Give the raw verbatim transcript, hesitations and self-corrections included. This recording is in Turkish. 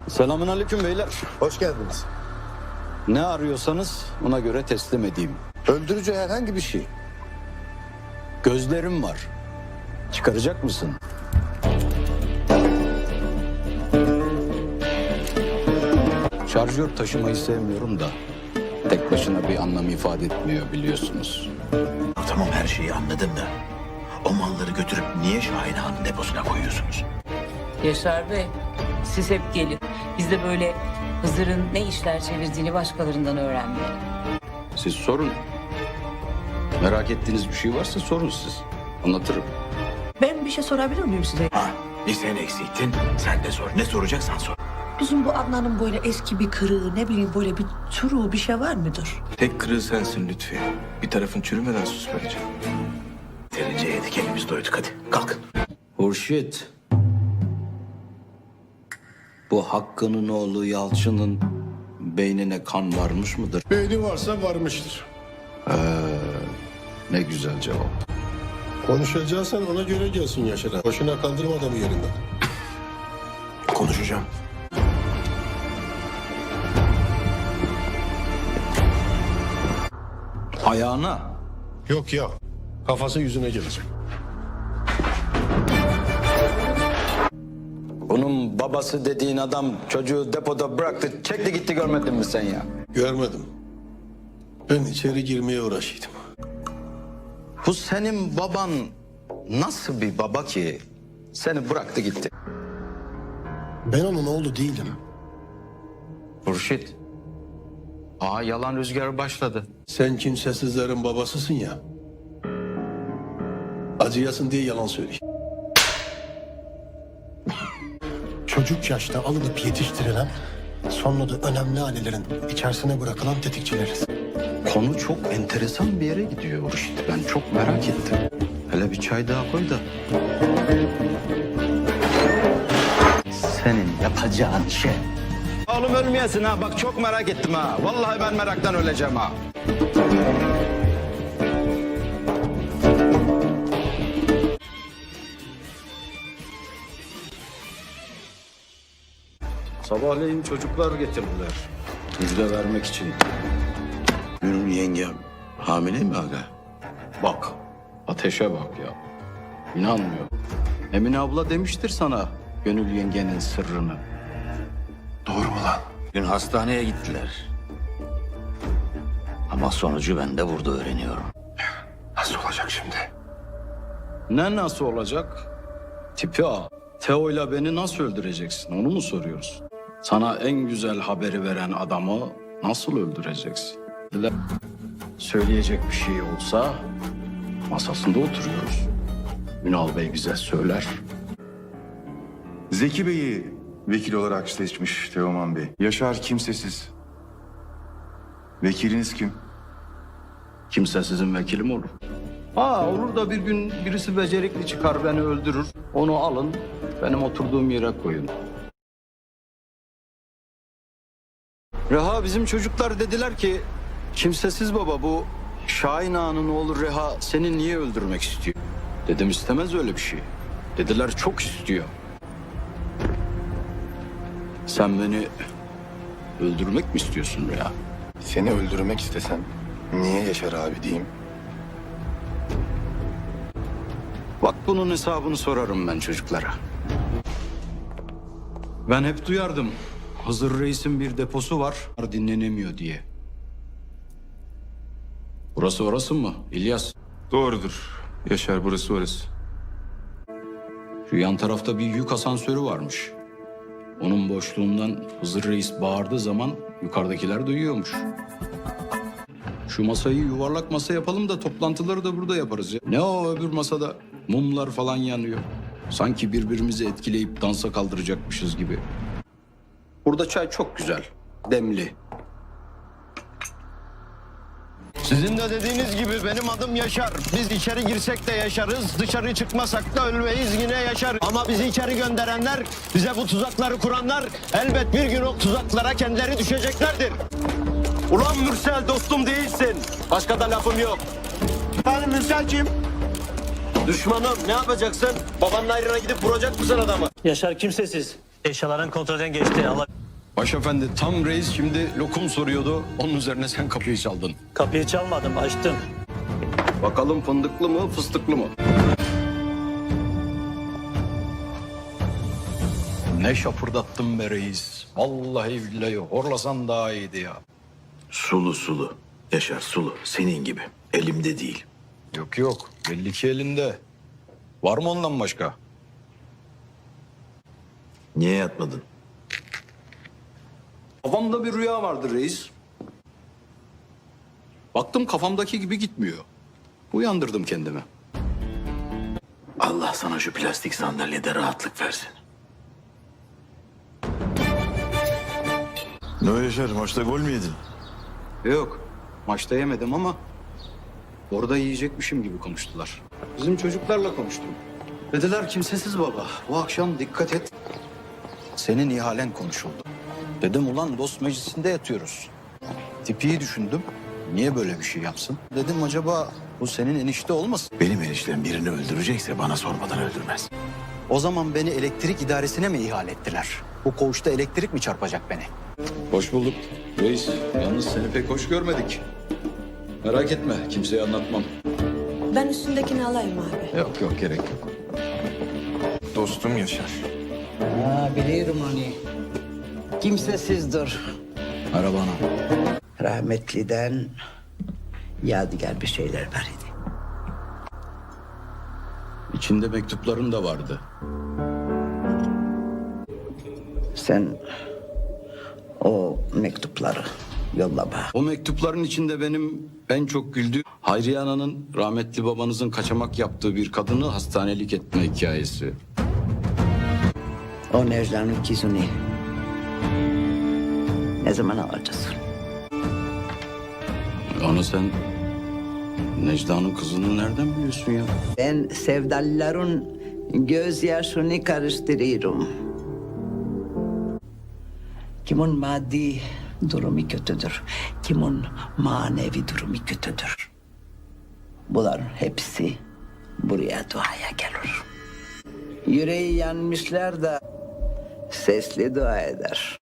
Selamünaleyküm beyler. Hoş geldiniz. Ne arıyorsanız ona göre teslim edeyim. Öldürücü herhangi bir şey. Gözlerim var. Çıkaracak mısın? Şarjör taşımayı sevmiyorum da tek başına bir anlam ifade etmiyor biliyorsunuz. Tamam, her şeyi anladım da o malları götürüp niye Şahin Ağa'nın deposuna koyuyorsunuz? Yaşar Bey, siz hep gelin. Biz de böyle Hızır'ın ne işler çevirdiğini başkalarından öğrenmeyelim. Siz sorun. Merak ettiğiniz bir şey varsa sorun siz. Anlatırım. Ben bir şey sorabilir miyim size? Ha, bir sen eksiktin, sen de sor. Ne soracaksan sor. Bizim bu Adnan'ın böyle eski bir kırığı, ne bileyim böyle bir çuruğu bir şey var mıdır? Tek kırığı sensin Lütfi. Bir tarafın çürümeden sus bence. Yeterince yedik, elimiz doyduk, hadi kalkın. Hurşit. Bu Hakkı'nın oğlu Yalçın'ın beynine kan varmış mıdır? Beyni varsa varmıştır. Ne güzel cevap. Konuşacaksan ona göre gelsin Yaşar abi. Boşuna kaldırma adamı yerinden. Konuşacağım. Ayağına. Yok ya. Kafası yüzüne gelecek. Bunun babası dediğin adam çocuğu depoda bıraktı, çekti gitti, görmedin mi sen ya? Görmedim. Ben içeri girmeye uğraşıyordum. Bu senin baban nasıl bir baba ki seni bıraktı gitti? Ben onun oğlu değilim. Hurşit. Aa, yalan rüzgarı başladı. Sen kimsesizlerin babasısın ya. Acıyasın diye yalan söylüyor. Çocuk yaşta alınıp yetiştirilen, sonra da önemli ailelerin içerisine bırakılan tetikçileriz. Konu çok enteresan bir yere gidiyor Hurşit. Ben çok merak ettim. Hele bir çay daha koy da. Senin yapacağın şey. Oğlum ölmeyesin ha. Bak çok merak ettim ha. Vallahi ben meraktan öleceğim ha. Sabahleyin çocuklar getirdiler. Müjde vermek için. Gönül yengem hamile mi aga? Bak, ateşe bak ya. İnanmıyor. Emine abla demiştir sana Gönül yengenin sırrını. Doğru mu lan? Dün hastaneye gittiler. Ama sonucu ben de burada öğreniyorum. Nasıl olacak şimdi? Ne nasıl olacak? Tipi A. Teo'yla beni nasıl öldüreceksin onu mu soruyoruz? Sana en güzel haberi veren adamı nasıl öldüreceksin? Söyleyecek bir şey olsa masasında oturuyoruz. Ünal Bey bize söyler. Zeki Bey'i vekil olarak seçmiş Teoman Bey. Yaşar kimsesiz. Vekiliniz kim? Kimse sizin vekilim olur. Ha olur da bir gün birisi becerikli çıkar beni öldürür. Onu alın benim oturduğum yere koyun. Reha bizim çocuklar dediler ki kimsesiz baba bu Şahin Ağa'nın oğlu Reha seni niye öldürmek istiyor? Dedim istemez öyle bir şey. Dediler çok istiyor. Sen beni öldürmek mi istiyorsun Reha? Seni öldürmek istesem niye Yaşar abi diyeyim? Bak bunun hesabını sorarım ben çocuklara. Ben hep duyardım. Hızır Reis'in bir deposu var, dinlenemiyor diye. Burası orası mı İlyas? Doğrudur. Yaşar burası orası. Şu yan tarafta bir yük asansörü varmış. Onun boşluğundan Hızır Reis bağırdığı zaman yukarıdakiler duyuyormuş. Şu masayı yuvarlak masa yapalım da toplantıları da burada yaparız ya. Ne o öbür masada mumlar falan yanıyor. Sanki birbirimizi etkileyip dansa kaldıracakmışız gibi. Burada çay çok güzel, demli. Sizin de dediğiniz gibi benim adım Yaşar. Biz içeri girsek de yaşarız, dışarı çıkmasak da ölmeyiz yine yaşarız. Ama bizi içeri gönderenler, bize bu tuzakları kuranlar elbet bir gün o tuzaklara kendileri düşeceklerdir. Ulan Mürsel dostum değilsin. Başka da lafım yok. Efendim Mürsel kim? Düşmanım ne yapacaksın? Babanın ayrına gidip vuracak mısın adamı? Yaşar kimsesiz. Eşyaların kontrolden geçti. Allah... Başefendi tam reis şimdi lokum soruyordu. Onun üzerine sen kapıyı çaldın. Kapıyı çalmadım, açtım. Bakalım fındıklı mı fıstıklı mı? Ne şapırdattın be reis. Vallahi billahi horlasan daha iyiydi ya. Sulu sulu. Yaşar sulu. Senin gibi. Elimde değil. Yok yok belli ki elinde. Var mı ondan başka? Niye yatmadın? Kafamda bir rüya vardı reis. Baktım kafamdaki gibi gitmiyor. Uyandırdım kendimi. Allah sana şu plastik sandalyede rahatlık versin. Ne o Yaşar, maçta gol mü yedin? Yok maçta yemedim ama orada yiyecekmişim gibi konuştular. Bizim çocuklarla konuştum. Dediler kimsesiz baba. Bu akşam dikkat et. Senin ihalen konuşuldu. Dedim ulan dost meclisinde yatıyoruz. Tipiyi düşündüm. Niye böyle bir şey yapsın? Dedim acaba bu senin enişte olmasın? Benim eniştem birini öldürecekse bana sormadan öldürmez. O zaman beni elektrik idaresine mi ihale ettiler? Bu koğuşta elektrik mi çarpacak beni? Hoş bulduk reis. Yalnız seni pek hoş görmedik. Merak etme kimseye anlatmam. Ben üstündekini alayım abi. Yok yok gerek yok. Dostum Yaşar. Ha, biliyorum onu. Kimsesizdir. Merhaba ana. Rahmetliden yadigar bir şeyler var idi. İçinde mektupların da vardı. Sen o mektupları yolla bana. O mektupların içinde benim en çok güldüğüm Hayriye Ana'nın rahmetli babanızın kaçamak yaptığı bir kadını hastanelik etme hikayesi. O Necla'nın kızını ne zaman alacaksın? Ana sen Necla'nın kızını nereden biliyorsun ya? Ben sevdalilerin gözyaşını karıştırıyorum. Kimin maddi durumu kötüdür, kimin manevi durumu kötüdür. Bunların hepsi buraya duaya gelir. Yüreği yanmışlar da sesli dua eder.